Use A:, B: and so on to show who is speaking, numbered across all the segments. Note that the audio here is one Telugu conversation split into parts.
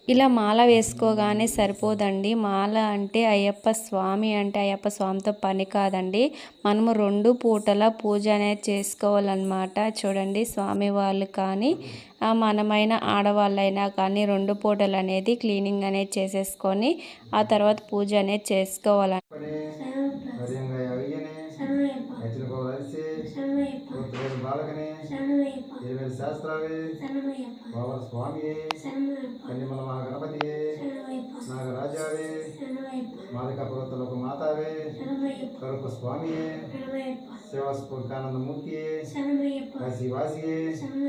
A: ఇలా మాల వేసుకోగానే సరిపోదండి. మాల అంటే అయ్యప్ప స్వామి అంటే అయ్యప్ప స్వామితో పని కాదండి. మనము 2 పూటల పూజ అనేది చేసుకోవాలన్నమాట. చూడండి స్వామి వాళ్ళు కానీ మనమైన ఆడవాళ్ళైనా కానీ 2 పూటలు అనేది క్లీనింగ్ అనేది చేసేసుకొని ఆ తర్వాత పూజ అనేది చేసుకోవాలి.
B: బాలకనే ఇరవై శాస్త్రాలే బాబా స్వామియే కన్యమల మహాగణపతియే నాగరాజావే మాలిక పర్వతలోక మాతావే కరుపు స్వామియే శివస్ఫూర్కానందమూర్తియే కాశీవాసియే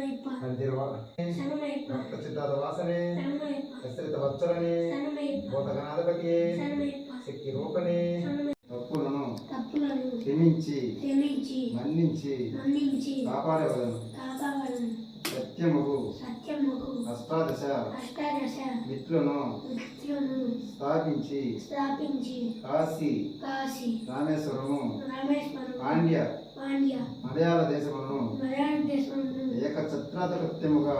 B: భక్త చిత్తాద వాసనే హస్తరిత వత్సలనే భూతగణాధిపతియే శక్తి రూపనే తప్పులను క్షమించి మన్నించి కాపాడవలను సత్యముగు అష్టాదశ మిత్రులను స్థాపించి కాశీ రామేశ్వరము పాండ్య మలయాళ దేశములను ఏకఛత్రాధిపత్యముగా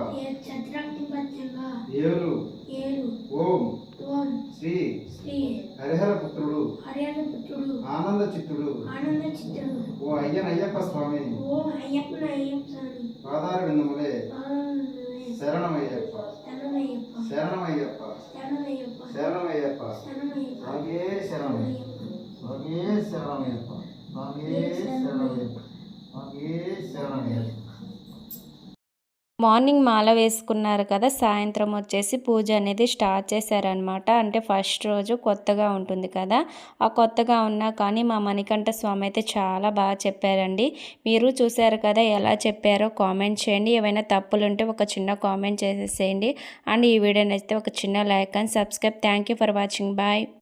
B: ఏలు ఓం శ్రీ హరిహర పుత్రుడు ఆనంద చిత్తుడు ఓ అయ్యనయ్యప్ప స్వామి పాదార విందములే శరణమయ్యప్ప శరణమయ్యప్ప శరణమయ్యప్ప స్వామియే శరణం స్వామియే శరణమయ్యప్ప స్వామియే శరణమయ్యప్ప స్వామియే శరణమయ్యప్ప.
A: మార్నింగ్ మాల వేసుకున్నారు కదా, సాయంత్రం వచ్చేసి పూజ అనేది స్టార్ట్ చేశారనమాట. అంటే ఫస్ట్ రోజు కొత్తగా ఉంటుంది కదా, ఆ కొత్తగా ఉన్నా కానీ మా మణికంఠ స్వామి అయితే చాలా బాగా చెప్పారండి. మీరు చూసారు కదా ఎలా చెప్పారో కామెంట్ చేయండి. ఏవైనా తప్పులు ఉంటే ఒక చిన్న కామెంట్ చేసేసేయండి. అండ్ ఈ వీడియో నచ్చితే ఒక చిన్న like and subscribe. Thank you for watching. Bye.